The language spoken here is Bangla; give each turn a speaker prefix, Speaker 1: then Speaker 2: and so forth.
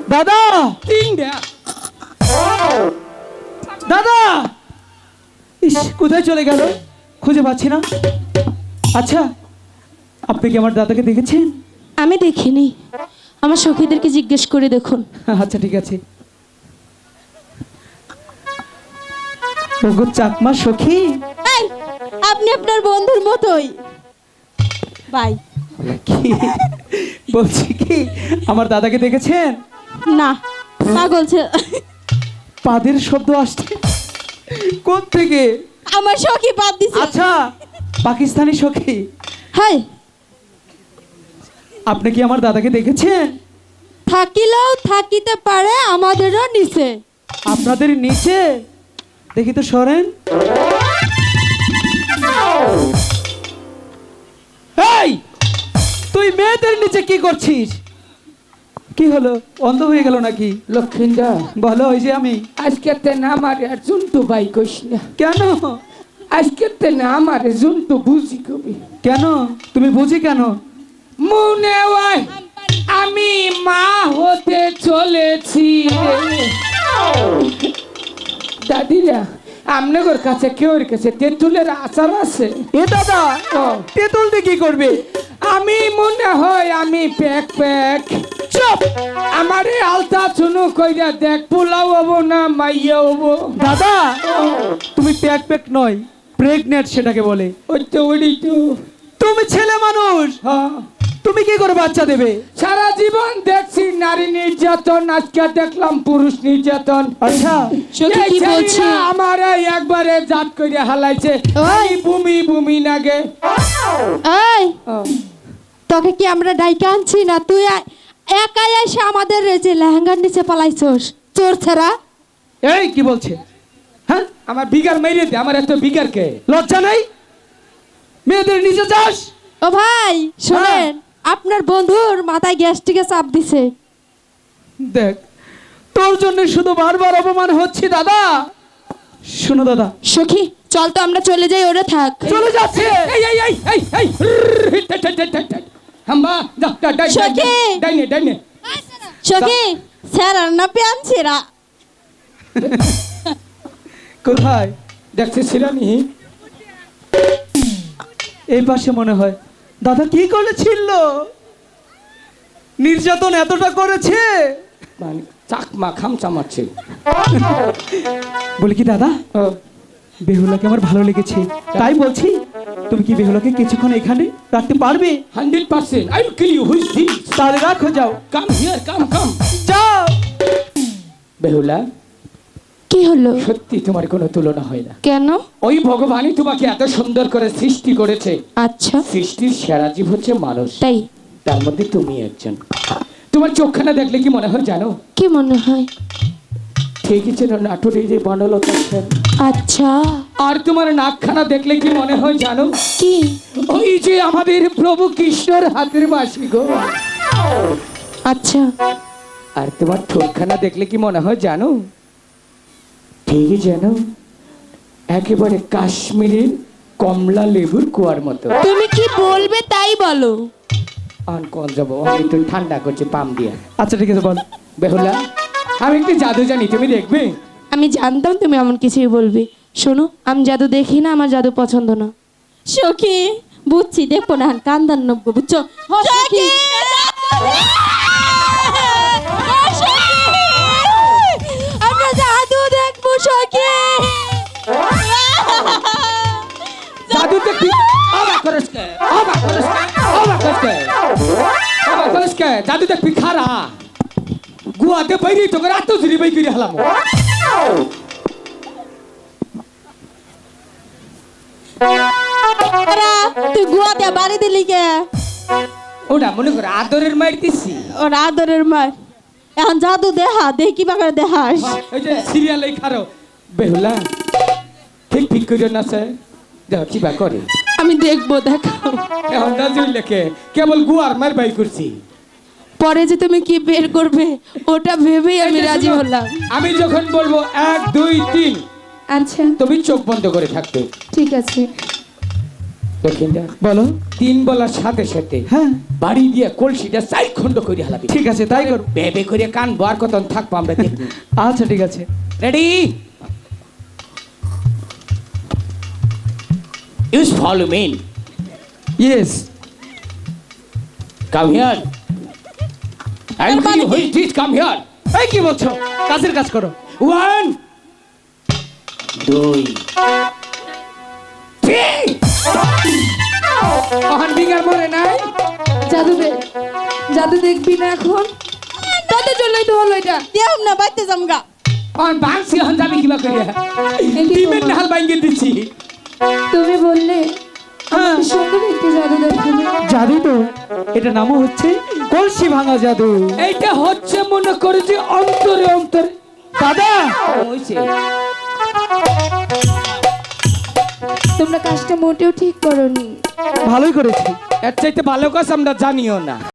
Speaker 1: দাদা
Speaker 2: তিনটা
Speaker 1: দাদা, ইস কোথায় চলে গেল, খুঁজে পাচ্ছি না। আচ্ছা, আপনি কি আমার দাদাকে দেখেছেন?
Speaker 3: আমি দেখিনি, আমার সখীদেরকে জিজ্ঞেস করে দেখুন।
Speaker 1: আচ্ছা ঠিক আছে। ওগো চাকমা সখী,
Speaker 3: এই, আপনি আপনার বন্ধুর মতোই ভাই।
Speaker 1: কি বলছি কি, আমার দাদাকে দেখেছেন?
Speaker 3: না, পাগল ছে
Speaker 1: পাদের শব্দ আসছে কোন থেকে?
Speaker 3: আমার সখী বাদ দিছে।
Speaker 1: আচ্ছা, পাকিস্তানি সখী।
Speaker 3: হাই,
Speaker 1: আপনি কি আমার দাদাকে দেখেছেন?
Speaker 3: থাকিলেও থাকিতে পারে, আমাদেরও নিচে।
Speaker 1: আপনাদের নিচে? দেখি তো সরেন। এই, তুই মেয়েদের নিচে কি করছিস? কি হলো, অন্ধ হয়ে গেল নাকি?
Speaker 2: লক্ষিন্দা
Speaker 1: বলো। ওই যে আমি।
Speaker 2: আজকে তে না আমারে আর জন্তু ভাই কইস না।
Speaker 1: কেন?
Speaker 2: আজকে তে না আমারে জন্তু বুঝি কবি।
Speaker 1: কেন তুমি বুঝি কেন?
Speaker 2: মনে হয় আমি মা হতে চলেছি। দাদিরা, আপনাদের কাছে কেউ কাছে তেঁতুলের আচার আছে?
Speaker 1: এ দাদা, তেঁতুল দিয়ে কি করবে?
Speaker 2: আমি মনে হয় আমি প্যাক প্যাক। চুপ! আমারে আলতা চুনু কইরা দেখ, পোলাও হবো না মাইয়া হবো।
Speaker 1: দাদা, তুমি প্যাক প্যাক নয়, প্রেগনেন্ট সেটাকে বলে।
Speaker 2: ওই তো ওই তো।
Speaker 1: তুমি ছেলে মানুষ,
Speaker 2: হ্যাঁ,
Speaker 1: তুমি কি করে বাচ্চা দেবে?
Speaker 2: সারা জীবন দেখছি নারী নির্যাতন, আজকে দেখলাম পুরুষ নির্যাতন।
Speaker 1: আচ্ছা,
Speaker 3: সখী কি বলছে?
Speaker 2: আমার একবারে জাত করে হালাইছে।
Speaker 3: ওই!
Speaker 2: ভূমি ভূমি নাগে।
Speaker 3: এই, তোকে কি আমরা ডাইকে আনছি না? তুই একাই এসে আমাদের যে লেহেঙ্গার নিচে পালাইছস, চোর ছাড়া।
Speaker 1: এই কি বলছে? হ্যাঁ,
Speaker 2: আমার বিগার মেরে দে, আমার এত বিগার কে?
Speaker 1: লজ্জা নাই? মেয়েদের নিচে যাস?
Speaker 3: ও ভাই শুনেন, আপনার বন্ধুর মাথায় গ্যাস্ট্রিকে চাপ দিছে।
Speaker 1: দেখ, তোর জন্য শুধু বারবার অপমান হচ্ছে দাদা। শোনো দাদা,
Speaker 3: সখী চল তো আমরা চলে যাই, ওরে থাক।
Speaker 1: চলে যাচ্ছে।
Speaker 2: এই এই এই এই এই হাম্বা দা দা ডাই
Speaker 3: সখী!
Speaker 2: ডাইনে ডাইনে।
Speaker 3: সখী স্যার না পেয়ানছিরা।
Speaker 1: কোথায়?
Speaker 2: দেখছি শিরানি।
Speaker 1: এই পাশে মনে হয়। দাদা কি করেছিল? নির্যাতন এতটা করেছে?
Speaker 2: মানে চাকমা খামচা মারছে।
Speaker 1: বলি কি দাদা, বেহুলাকে আমার ভালো লেগেছে, তাই বলছি তুমি কি বেহুলাকে কিছুক্ষণ এখানে রাখতে পারবে?
Speaker 2: 100%. I will kill you. Who is this?
Speaker 1: তাহলে রাখো, যাও।
Speaker 2: Come here, come.
Speaker 1: যাও।
Speaker 2: বেহুলা,
Speaker 3: কি হলো?
Speaker 2: সত্যি তোমার কোনো তুলনা হয় না।
Speaker 3: কেন?
Speaker 2: ওই ভগবানই তোমাকে এত সুন্দর করে সৃষ্টি করেছে।
Speaker 3: আচ্ছা,
Speaker 2: সৃষ্টির সেরা জীব হচ্ছে মানুষ,
Speaker 3: তাই?
Speaker 2: তার মধ্যে তুমি একজন। তোমার চোখখানা দেখলে কি মনে হয় জানো?
Speaker 3: কি মনে হয়?
Speaker 2: ঠিকই ছিল, নাটোরে যে বনলতা সেন।
Speaker 3: আচ্ছা,
Speaker 2: আর তোমার নাকখানা দেখলে কি মনে হয় জানো?
Speaker 3: কি?
Speaker 2: ওই যে আমাদের প্রভু কৃষ্ণর হাতের বাসি গো।
Speaker 3: আচ্ছা,
Speaker 2: আর তোমার ঠোঁটখানা দেখলে কি মনে হয় জানো? ঠিকই জানো, একেবারে কাশ্মীরের কমলা লেবুর কুয়ার মতো।
Speaker 3: তুমি কি বলবে তাই বলো।
Speaker 2: আন কল যাবো, আমি একটু ঠান্ডা করছি পাম দিয়া।
Speaker 1: আচ্ছা ঠিক আছে, বল।
Speaker 2: বেহুলা, আমি একটু জাদু জানি, তুমি দেখবে?
Speaker 3: আমি জানতাম তুমি এমন কিছুই বলবে। শোনো, আমি জাদু দেখি না, আমার জাদু পছন্দ না। সখী বুঝছি, দেখবো না কান্দান নব্য, বুঝছো? সখী আমরা জাদু দেখবো। সখী
Speaker 2: জাদু দেখবি? অবাক করিস কে? অবাক করিস কে? অবাক করিস কে? অবাক করিস কে? জাদু দেখবি খারা গুয়াতে বাইরে তোকে রাত ধরে বাই করে হলাম।
Speaker 3: তুই গুয়াতে বাড়ি দিলি কে?
Speaker 2: ওটা মনে করে আদরের মার দিছি।
Speaker 3: ওর আদরের মার। এখন জাদু দেহা, দেখি বাগারে দেখাস।
Speaker 2: ওই যে সিরিয়ালে খারো। বেহুলা, ঠিক করে না স্যার, দেখো কি বা করে।
Speaker 3: আমি দেখবো, দেখাও।
Speaker 2: এখন নাজুল লেখে কেবল গুয়ার মার বাই করছি।
Speaker 3: পরে যে তুমি কি বের করবে ওটা ভেবেই আমি রাজি হলাম।
Speaker 2: আমি যখন বলবো 1 2 3,
Speaker 3: আচ্ছা
Speaker 2: তুমি চোখ বন্ধ করে থাকবে।
Speaker 3: ঠিক আছে।
Speaker 2: দক্ষিণটা
Speaker 1: বলো।
Speaker 2: 3 বলার সাথে সাথে
Speaker 1: হ্যাঁ
Speaker 2: বাড়ি দিয়ে কলসিটা 4 খণ্ড করে হালাবি।
Speaker 1: ঠিক আছে, তাই করো।
Speaker 2: বেবে করে কান বার কতন থাকবো আমরা দেখি।
Speaker 1: আচ্ছা ঠিক আছে।
Speaker 2: Ready, use follow me,
Speaker 1: yes.
Speaker 2: Come here, and you which did come here.
Speaker 1: এই কি বলছো? কাজের কাজ করো।
Speaker 2: 1 2 3 অহন বিগার মরে নাই।
Speaker 3: জাদু দেখবি না এখন? তাদের জন্যই তো হলো এটা।
Speaker 4: দেও না বাইতে জামগা।
Speaker 2: অহন বাংসি হন যাবি কিবা করিয়া।
Speaker 3: কি
Speaker 2: ডিমের
Speaker 3: করবো?
Speaker 2: নাল বাইঙ্গে দিছি।
Speaker 3: তুমি বললে
Speaker 1: হ্যাঁ
Speaker 3: সুন্দর একটি জাদু দেখাবে।
Speaker 1: জাদু তো, এটা নামও হচ্ছে কলসি ভাঙা জাদু।
Speaker 2: এইটা হচ্ছে মনে করে যে অন্তরে অন্তরে।
Speaker 1: দাদা
Speaker 2: হইছে
Speaker 3: তোমরা কাজটা মোটেও ঠিক করোনি।
Speaker 1: ভালোই করেছি।
Speaker 2: এর চাইতে ভালো কাজ আমরা জানিও না।